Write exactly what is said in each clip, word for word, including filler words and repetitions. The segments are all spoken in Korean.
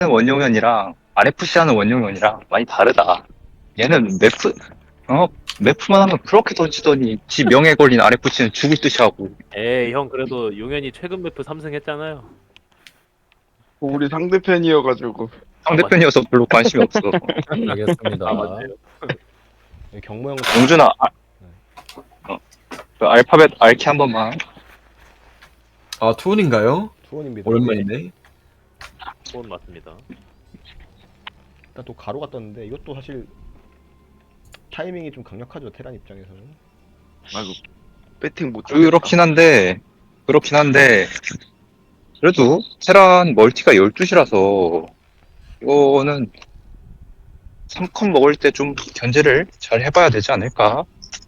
원용현이랑 알에프씨 하는 원용현이랑 많이 다르다. 얘는 매프, 어, 매프만 하면 그렇게 던지더니 지 명예 걸린 알에프씨는 죽을 듯이 하고. 에이 형 그래도 용현이 최근 매프 삼 승 했잖아요. 우리 상대편이어가지고. 상대편이어서 별로 관심이 없어. 알겠습니다. 아 맞네요. 경모 형 용준아, 아, 어, 그 알파벳 알키 한 번만. 아, 투혼인가요? 투원입니다. 오랜만이네. 그건 맞습니다. 일단 또 가로가 떴는데 이것도 사실 타이밍이 좀 강력하죠, 테란 입장에서는. 아이고, 배팅 못 하겠다. 그렇긴 한데, 그렇긴 한데, 그래도 테란 멀티가 열두 시라서, 이거는 삼 컷 먹을 때 좀 견제를 잘 해봐야 되지 않을까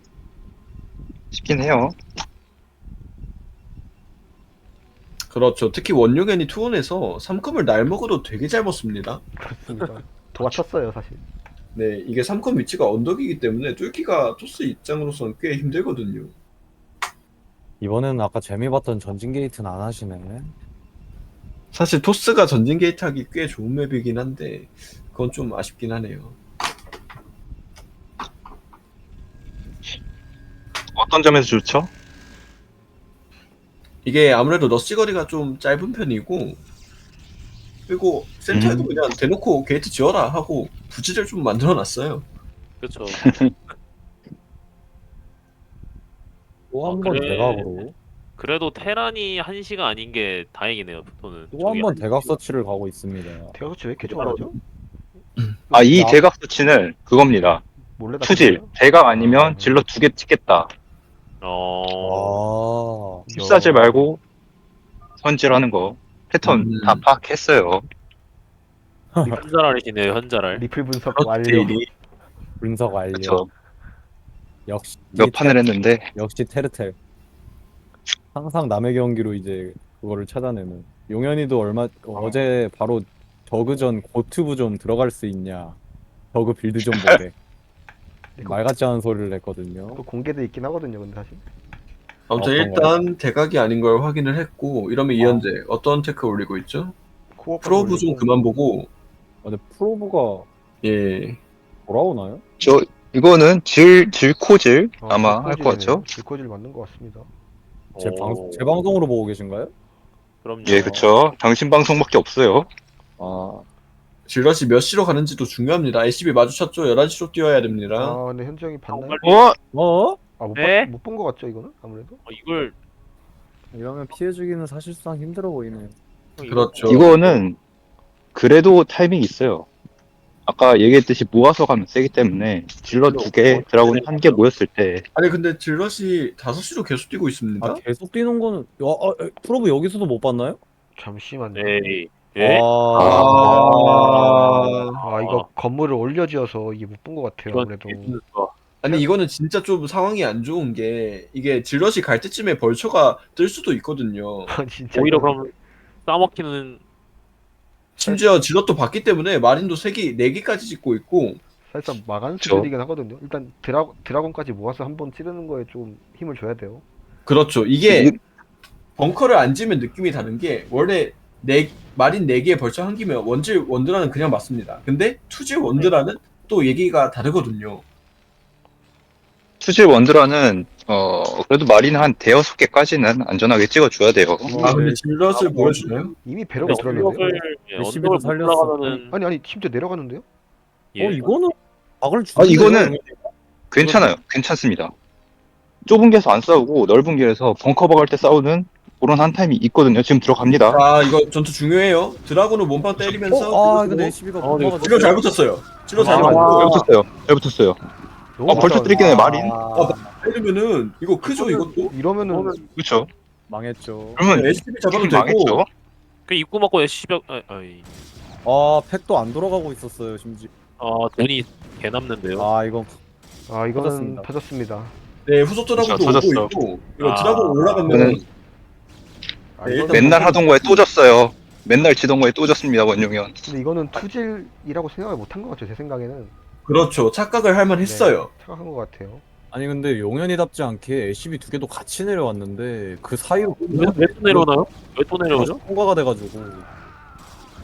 싶긴 해요. 그렇죠. 특히 원용현이 투혼에서 삼컴을 날 먹어도 되게 잘 먹습니다. 그렇습니다. 도와쳤어요, 사실. 네, 이게 삼컴 위치가 언덕이기 때문에 뚫기가 토스 입장으로서는 꽤 힘들거든요. 이번에는 아까 재미 봤던 전진 게이트는 안 하시네. 사실 토스가 전진 게이트 하기 꽤 좋은 맵이긴 한데 그건 좀 아쉽긴 하네요. 어떤 점에서 좋죠? 이게 아무래도 러시 거리가 좀 짧은 편이고 그리고 센터에도 음. 그냥 대놓고 게이트 지어라 하고 부지를 좀 만들어 놨어요. 그렇죠. 또 아, 한 번 그래. 대각으로. 그래도 테란이 한시가 아닌 게 다행이네요. 부토는. 또 한 번 대각 서치를 가고 있습니다. 대각수치 왜 이렇게 좋아하죠? 아, 이 나- 대각 수치는 그거입니다. 몰래 다 투질. 쳤어요? 대각 아니면 질러 두 개 찍겠다. 어. 아, 휩싸지 말고 선질하는 거. 패턴 음. 다 파악했어요. 현자랄이시네요. 현자랄. 리플 분석 그렇지. 완료. 분석 완료. 그쵸. 역시 몇 판을 했는데, 역시 테르텔. 항상 남의 경기로 이제 그거를 찾아내는. 용현이도 얼마 어제 바로 저그전 고투브 좀 들어갈 수 있냐. 저그 빌드 좀 보게. 말 같지 않은 소리를 했거든요. 그 공개돼 있긴 하거든요, 근데 사실. 아무튼 어떤 일단 대각이 아닌 걸 확인을 했고 이러면 이현재 어떤 테크 올리고 있죠? 코어 프로브 좀 그만 보고 아, 근데 프로브가 예 돌아오나요? 저, 이거는 질, 질코질 아마 할 것 같죠? 질코질 맞는 것 같습니다. 제, 방, 오. 제 방송으로 보고 계신가요? 그럼요. 예, 그쵸. 당신 방송밖에 없어요. 아, 질럿이 몇 시로 가는지도 중요합니다. 에스씨비 마주쳤죠? 열한 시로 뛰어야 됩니다. 아, 근데 현재 형이 봤나요? 정말- 어? 어? 아, 못, 네? 봤, 못본 것 같죠, 이거는? 아무래도? 어, 이걸 이러면 피해주기는 사실상 힘들어 보이네요. 그렇죠. 이거는 그래도 타이밍이 있어요. 아까 얘기했듯이 모아서 가면 세기 때문에 질러 두 개, 드라곤 한 개 모였을 때 아니 근데 질럿이 다섯 시로 계속 뛰고 있습니다. 아, 계속 뛰는 거는, 야, 아, 에, 프로브 여기서도 못 봤나요? 잠시만요. 에이. 예? 아, 아... 아, 이거 건물을 올려지어서 이게 못 본 것 같아요, 이건 아무래도. 개분수가. 아니 이거는 진짜 좀 상황이 안 좋은 게 이게 질럿이 갈 때쯤에 벌처가 뜰 수도 있거든요. 아, 진짜. 오히려 이거- 그럼 싸먹히는 심지어 질럿도 봤기 때문에 마린도 세 개, 네 개까지 짓고 있고 사실상 마간 그쵸. 수준이긴 하거든요. 일단 드라, 드라곤까지 모아서 한번 찌르는 거에 좀 힘을 줘야 돼요. 그렇죠. 이게 벙커를 안 지면 느낌이 다른 게 원래 네 마린 네 개에 벌처 한 기면 원질 원드라는 그냥 맞습니다. 근데 투질 원드라는 또 얘기가 다르거든요. 투질 원드라는 어 그래도 마린 한 대여섯 개까지는 안전하게 찍어줘야 돼요. 아 근데 질럿을 보여주나요? 이미 배럭을 근데 들었는데요? 언덕을 예, 열심히도 언덕을 못 살렸어. 올라가면은 아니, 아니, 심지어 내려가는데요? 예. 어, 이거는 박을 아 주는데요? 이거는 괜찮아요. 괜찮습니다. 좁은 길에서 안 싸우고 넓은 길에서 벙커 박을 때 싸우는 그런 한 타임이 있거든요. 지금 들어갑니다. 아 이거 전투 중요해요. 드라군을 몸빵 때리면서 어, 아, 근데 에이치비가 어, 네, 질럿 잘 붙었어요. 질럿 잘 아. 잘 붙었고 붙었어요. 잘 붙었어요. 너무 아 벌써 못하는데. 뜨리긴 해 마린. 때리면은 이거 크죠 이것도. 이러면은 그렇죠. 망했죠. 그러면 에스씨비 잡아도 팀 되고 망했죠. 그 입구 맞고 에스씨벽 아, 아이. 아, 팩도 안 돌아가고 있었어요, 심지어. 아 돈이 개 남는데요. 아, 이건 아, 이거는 터졌습니다. 터졌습니다. 네 후속 드라군도 그렇죠, 터졌어. 오고 있고 이거 아. 드라군 올라가면 이거는 아, 네, 이거는 일단 맨날 하던 거에 또 졌어요. 맨날 지던 거에 또 졌습니다 원용현. 근데 이거는 투질이라고 생각을 못한 것 같아요, 제 생각에는. 그렇죠 착각을 할 만했어요. 착각한 것 같아요. 아니 근데 용현이답지 않게 에이치비 두 개도 같이 내려왔는데 그 사이로 왜 또 내려오나요? 왜 또 내려오죠? 통과가 돼가지고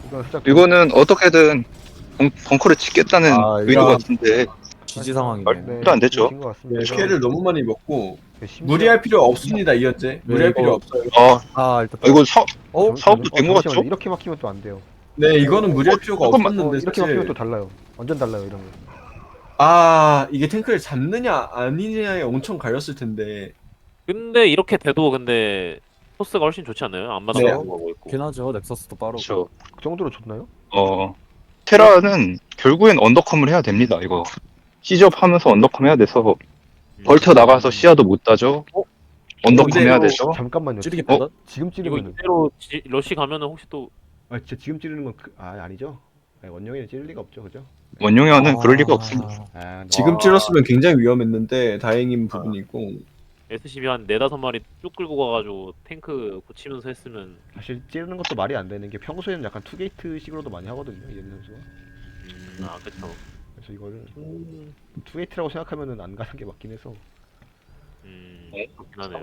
이건 살짝 이거는 어떻게든 벙, 벙커를 짓겠다는 아, 의도 이거- 같은데 지지 상황이네. 말도 안 되죠. 것 같습니다. 네, 피해를 너무 많이 먹고 네, 심지어- 무리할 필요 없습니다 이현재. 무리할 이거- 필요 없어요. 아, 아 일단 이거 사, 어? 사업도 된 것 잠시만요. 같죠? 이렇게 막히면 또 안 돼요. 네 이거는 무리할 필요가 잠깐만. 없었는데 어, 이렇게 사실 막히면 또 달라요. 완전 달라요 이런 거. 아 이게 탱크를 잡느냐 아니냐에 엄청 갈렸을 텐데 근데 이렇게 돼도 근데 토스가 훨씬 좋지 않나요? 앞마당 네. 하고 있고. 좋긴 하죠. 넥서스도 빠르고. 그렇죠. 그 정도로 좋나요? 어, 테라는 결국엔 언더컴을 해야 됩니다, 이거. 시접 하면서 언더컴 해야 돼서, 음. 벌쳐 나가서 시야도 못 따죠? 언더컴 근데 해야 이거 되죠? 잠깐만요. 찌르기 어? 받아? 지금 이거 찌르면 이대로 지, 러시 가면은 혹시 또 아 진짜 지금 찌르는 건 그, 아 아니죠? 아니, 원영이는 찌를 리가 없죠, 그죠? 원용현은 그럴 리가 아, 없습니다. 아 지금 와. 찔렀으면 굉장히 위험했는데 다행인 부분이고 에스씨비 한 네다섯 마리 쭉 끌고 가가지고 탱크 고치면서 했으면 사실 찌르는 것도 말이 안 되는 게 평소에는 약간 투게이트식으로도 많이 하거든요, 이현 선수가. 음, 아 그쵸. 그래서 이거를 투게이트라고 생각하면은 안 가는 게 맞긴 해서. 음, 어? 그렇긴 하네요.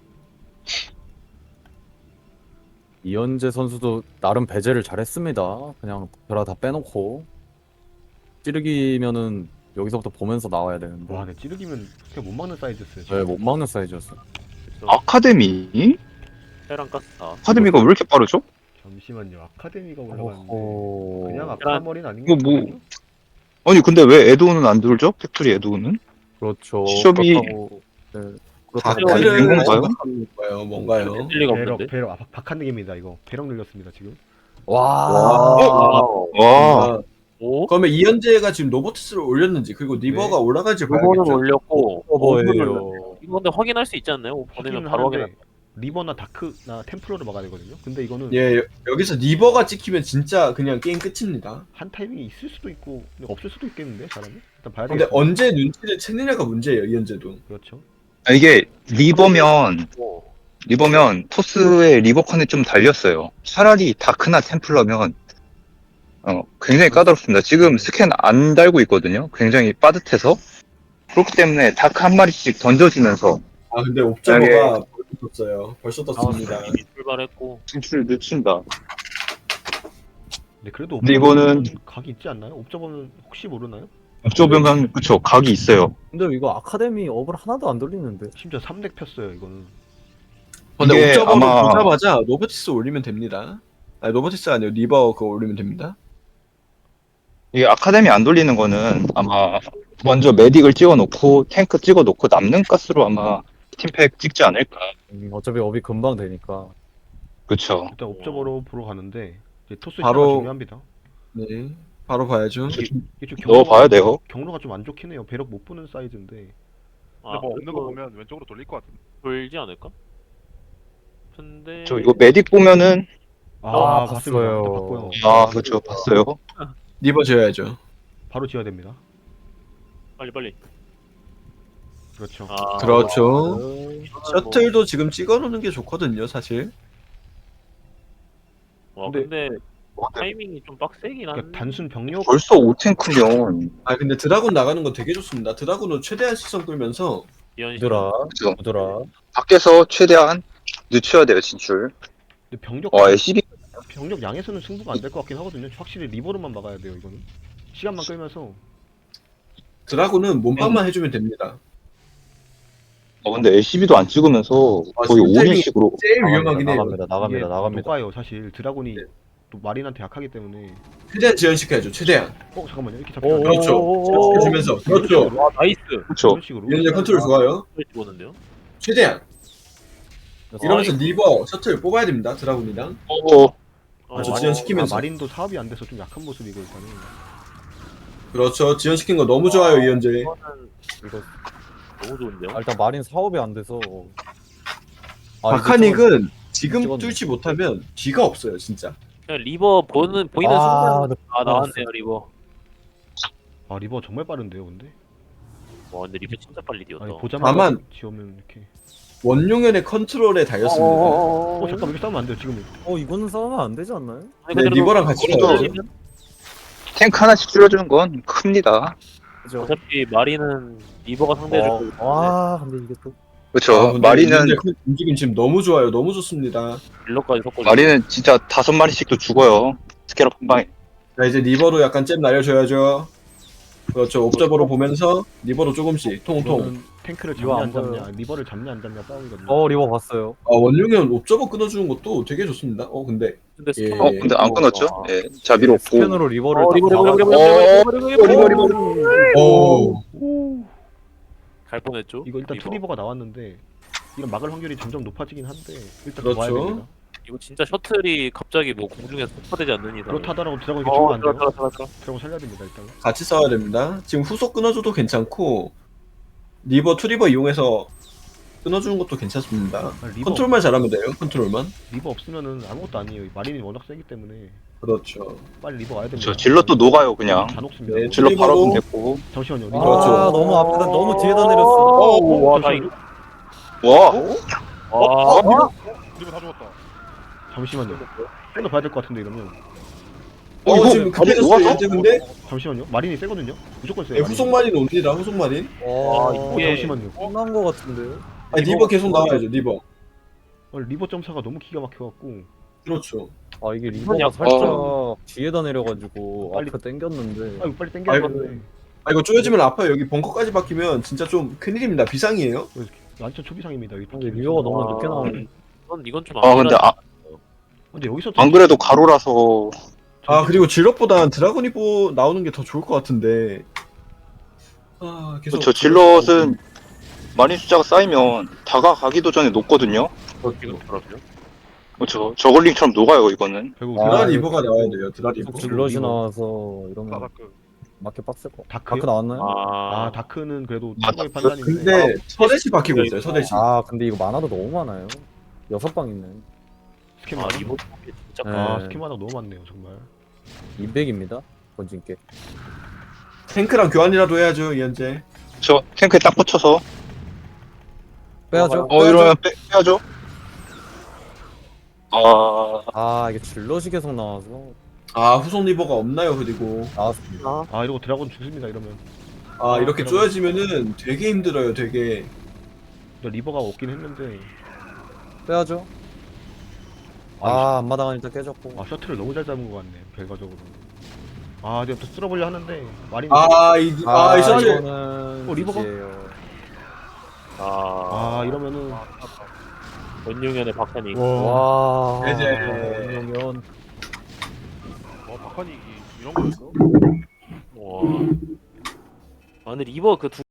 이현재 선수도 나름 배제를 잘했습니다. 그냥 드라 다 빼놓고 찌르기면은 여기서부터 보면서 나와야 되는데. 와, 근데 찌르기면 그냥 못 막는 사이즈였어요. 네, 못 막는 사이즈였어. 그쵸. 아카데미? 테란 가스 다. 아카데미가 왜 이렇게 빠르죠? 잠시만요. 아카데미가 올라갔는데 어허. 그냥 테란- 아카머리는 아닌 이거 것 뭐- 같거든요. 아니, 근데 왜 에드온은 안 들죠? 팩토리 에드온은? 그렇죠. 시접이- 그렇다고, 네. 그렇다고 많이 다크를 된 건가요? 생각하는 건가요? 뭔가요? 될 리가 배럭 없는데. 배럭 아, 박- 박한능입니다 이거. 배럭 늘렸습니다 지금. 와. 와, 아, 오? 그러면 이현재가 지금 로보트스를 올렸는지 그리고 리버가 올라갈지 오버는 봐야겠죠. 올렸고 오버를 오버예요. 이거 근데 확인할 수 있지 않나요? 오버는 확인은 바로 하는데 확인할. 리버나 다크나 템플러를 막아야 되거든요. 근데 이거는 예, 여- 여기서 리버가 찍히면 진짜 그냥 게임 끝입니다. 한 타이밍이 있을 수도 있고 없을 수도 있겠는데 사람이? 일단 봐야 근데 되겠습니다. 언제 눈치를 채느냐가 문제예요, 이현재도. 그렇죠. 아, 이게 리버면, 오. 리버면 토스의 리버컨에 좀 달렸어요. 차라리 다크나 템플러면, 어, 굉장히 까다롭습니다. 지금 스캔 안 달고 있거든요. 굉장히 빠듯해서. 그렇기 때문에 다크 한 마리씩 던져지면서 아 근데 옵저버가 벌써 떴어요. 벌써 떴습니다. 이미 출발했고 진출을 늦춘다. 근데 그래도 근데 이거는- 옵저버는 각이 있지 않나요? 옵저버는 혹시 모르나요? 업조병강, 그쵸, 각이 있어요. 근데 이거 아카데미 업을 하나도 안 돌리는데. 심지어 삼 덱 폈어요 이거는. 근데 이게 옵저버로 아마- 보자마자 로보티스 올리면 됩니다. 아니 로보티스 아니요 리버 그거 올리면 됩니다. 이게 아카데미 안 돌리는 거는 아마 먼저 메딕을 찍어놓고 탱크 찍어놓고 남는 가스로 아마 팀팩 찍지 않을까. 음, 어차피 업이 금방 되니까. 그쵸. 일단 옵저버로 보러 가는데 이제 토스 바로- 바로 중요합니다. 네, 바로 봐야죠. 이게 좀 넣어봐야 돼요. 경로가 좀 안 좋긴 해요. 배럭 못 보는 사이즈인데. 아, 근데 뭐 없는 거 그래도 보면 왼쪽으로 돌릴 것 같은데. 돌지 않을까? 근데 저 이거 메딕 보면은 아, 봤습니다. 봤어요. 일단 봤고요. 아 그쵸 봤어요. 리버 지어야죠. 바로 지어야 됩니다. 빨리 빨리. 그렇죠. 아, 그렇죠. 이거는 셔틀도 지금 찍어놓는 게 좋거든요, 사실. 뭐, 와 근데- 근데 타이밍이 좀 빡세긴 한데. 그러니까 단순 병력 벌써 오 탱크면 아 근데 드라군 나가는 건 되게 좋습니다. 드라군으로 최대한 시선 끌면서 이현 씨. 부드라, 그죠. 부드라. 밖에서 최대한 늦춰야 돼요 진출. 근데 병력 와 엘씨비 병력 양에서는 승부가 안 될 것 같긴 하거든요. 확실히 리버로만 막아야 돼요 이거는. 시간만 끌면서. 드라군은 몸빵만 해주면 됩니다. 어 근데 엘씨비도 안 찍으면서 아, 거의 진짜 올인식으로 제일 위험하긴 해요. 나갑니다, 나갑니다, 이게 나갑니다. 녹아요 사실. 드라곤이 또 마린한테 약하기 때문에. 최대한 지연시켜야죠, 최대한. 어 잠깐만요 이렇게 오, 잡히면 그렇죠. 오, 오, 오. 지연시켜주면서. 그렇죠. 와 나이스. 그쵸. 이런 식으로. 이현재 컨트롤 좋아요. 보는데요. 최대한. 이러면서 아, 리버, 셔틀 뽑아야 됩니다, 드라군이랑. 어 아주 어, 지연시키면서. 아, 마린도 사업이 안 돼서 좀 약한 모습이고 일단은. 그렇죠. 지연시킨 거 너무 좋아요, 이현재. 이거는 이거 너무 좋은데요. 아, 일단 마린 사업이 안 돼서. 아, 이거 박하닉은 지금 찍었네. 뚫지 못하면 뒤가 없어요, 진짜. 그냥 리버 보는 보이는 아, 순간 네. 아 나왔네요 리버. 아 리버 정말 빠른데요 근데. 와 근데 리버 진짜 빨리 뛰었다. 아니 보자마자 다만- 지우면 이렇게. 원용현의 컨트롤에 달렸습니다. 어 잠깐 이렇게 싸우면 안 돼요 지금. 어, 이거는 싸우면 안 되지 않나요? 아니, 네, 근데 리버랑 같이 그래도- 가야죠. 탱크 하나씩 줄여주는 건 큽니다. 그죠? 어차피 마리는 리버가 상대해줄 어, 거기 때문에 와, 근데 이게 또. 그쵸. 아, 근데 마리는 이현재 컨- 움직임 지금 너무 좋아요. 너무 좋습니다. 딜러까지 섞고. 마리는 진짜 다섯 마리씩도 죽어요. 스캐럽 한 방에. 자 이제 리버로 약간 잼 날려줘야죠. 그렇죠. 옵저버로 보면서 리버로 조금씩 통통. 이거는 탱크를 이거 잡냐 안 안 보여요. 잡냐, 리버를 잡냐 안 잡냐 싸움이거든요. 어 리버 봤어요. 아 원룡은 옵저버 끊어주는 것도 되게 좋습니다. 어 근데 근데 예. 스캔 어, 근데 안 끊었죠? 예, 자비로 없고. 스캔으로 리버를 어 딱 리버 리버 막아- 리버 어, 리버 리버 리버 리버 리버 오 갈 뻔했죠. 이거 일단 리버. 투리버가 나왔는데 이건 막을 확률이 점점 높아지긴 한데 일단 그렇죠. 봐야 됩니다. 이거 진짜 셔틀이 갑자기 뭐 공중에서 폭파되지 않는 이상. 그렇다더라고 드라곤 이게 어, 죽으면 안 들어 돼요. 들어 들어 들어. 드라곤 살려야 됩니다 일단. 같이 싸워야 됩니다. 지금 후속 끊어줘도 괜찮고 리버 투리버 이용해서 끊어주는 것도 괜찮습니다. 아, 리버, 컨트롤만 잘하면 돼요. 컨트롤만. 리버 없으면은 아무것도 아니에요. 마린이 워낙 세기 때문에 그렇죠. 빨리 리버 와야 됩니다. 저 질러 또 녹아요, 그냥. 다 녹습니다. 네, 질러 바로 리버로. 오면 됐고. 잠시만요. 아 리버. 그렇죠. 너무 앞에다 너무 뒤에다 내렸어. 오, 와, 나 잠시만요. 이거. 와, 와, 리버 다 죽었다. 잠시만요. 좀 더 봐야 될 것 같은데 이러면. 어, 이거 지금 바로 급해졌어요. 녹아서? 이제 근데 잠시만요. 마린이 세거든요. 무조건 세요. 네, 후속 마린 옵니다. 후속 마린. 와 어, 이게- 잠시만요. 끝난 거 같은데요? 아 리버 계속 나와야죠. 리버. 어, 리버 점사가 너무 기가 막혀갖고 그렇죠. 아 이게 리버가 그냥- 살짝 뒤에다 내려가지고 빨리- 앞에 당겼는데. 아 이거 빨리 땡겨야 아이고. 되는데 아 이거 쪼여지면 아파요. 여기 벙커까지 박히면 진짜 좀 큰일입니다. 비상이에요. 완전 초비상입니다. 여기 근데 리버가 너무 아. 늦게 나오네. 이건 이건 좀. 아, 근데 아, 근데 여기서 안 그래도 가로라서. 아 그리고 질럿보단 드라곤 리버 나오는 게 더 좋을 것 같은데. 아 계속. 저 질럿은 마린 숫자가 쌓이면 다가가기도 전에 녹거든요. 이건 그렇죠. 그렇죠. 저글링처럼 녹아요, 이거는. 결국 아, 드라 드라 리버가 나와야 돼요. 드라 리버. 계속 질럿이 나와서 이러면 바다크. 맞게 빡셀 거. 다크요? 다크 나왔나요? 아, 아 다크는 그래도 아, 최고의 다크? 판단인데. 근데 서대시 박히고 있어요. 서대시. 아 근데 이거 만화도 너무 많아요. 여섯 방 있네. 스킨 아 많아. 리버 진짜. 네. 아 스킨 많아 너무 많네요 정말. 이백입니다. 번진게. 탱크랑 교환이라도 해야죠. 이현재. 저 탱크에 딱 붙여서. 빼야죠. 어, 이러면 빼, 빼야죠. 아, 아 이게 질럿이 계속 나와서 아 후속 리버가 없나요? 그리고 나왔습니다. 아 이러고 드라곤 죽습니다 이러면. 아 이렇게 드라곤. 쪼여지면은 되게 힘들어요. 되게. 근데 리버가 없긴 했는데. 빼야죠. 아 앞마당은 일단 깨졌고. 아 셔틀을 너무 잘 잡은 것 같네 결과적으로. 아 이제 또 쓸어보려 하는데 마린이. 아이 아, 이 셔틀. 이거는 어, 리버가? 이제요. 아, 아 이러면은. 원용현의 박찬이. 와. 이제. 그러면 어, 박한이 이런 거였어? 와. 아 근데 리버 그 두